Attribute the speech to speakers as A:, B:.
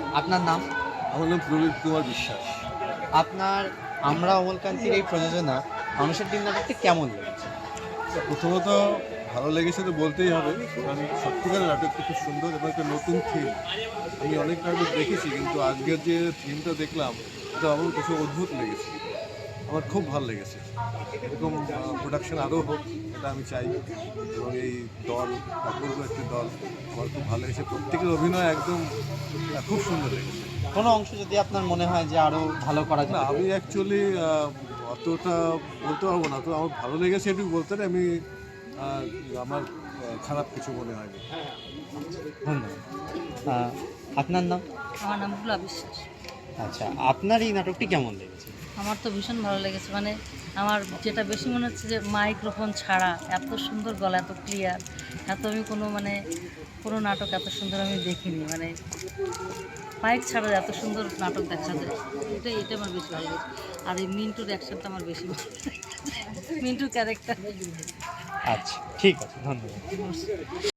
A: আপনার নাম?
B: আমার নাম প্রবীর কুমার বিশ্বাস।
A: আপনার আমরা অমলকান্তির এই প্রযোজনা মানুষের দিন নাটকটি কেমন লেগেছে?
B: প্রথমত ভালো লেগেছে তো বলতেই হবে, কারণ সত্যিকারের নাটকটা খুব সুন্দর এবং একটা নতুন থিম। আমি অনেক নাটক দেখেছি, কিন্তু আজকের যে থিমটা দেখলাম এটা আমার কিছু অদ্ভুত লেগেছে। আমার খুব ভালো লেগেছে। এরকম প্রোডাকশন আরও হোক, এটা আমি চাই। এবং এই দল, অপূর্ব একটি দল, আমার খুব ভালো লেগেছে। প্রত্যেকের অভিনয় একদম খুব সুন্দর লেগেছে।
A: কোনো অংশ যদি আপনার মনে হয় যে আরও ভালো করা
B: না,
A: যেতে
B: আমি
A: পারে?
B: অ্যাকচুয়ালি অতটা বলতে পারবো না, তো আমার ভালো লেগেছে এটুকু বলতে পারি। আমি আমার খারাপ কিছু মনে হয়নি।
A: ধন্যবাদ। আহ, আপনার নাম?
C: আমার নাম ভোলা বিশ্বাস।
A: আচ্ছা, আপনার এই নাটকটি কেমন লেগেছে?
C: আমার তো ভীষণ ভালো লেগেছে, মানে আমার যেটা বেশি মনে হচ্ছে যে মাইক্রোফোন ছাড়া এত সুন্দর গলা, এত ক্লিয়ার, এত আমি কোনো নাটক এত সুন্দর আমি দেখিনি। মানে মাইক ছাড়া এত সুন্দর নাটক দেখা যায়, এটা আমার বেশি ভালো লেগেছে। আর এই মিন্টুর অ্যাকশনটা আমার বেশি ভালো লেগেছে, মিন্টুর ক্যারেক্টার।
A: আচ্ছা, ঠিক আছে, ধন্যবাদ।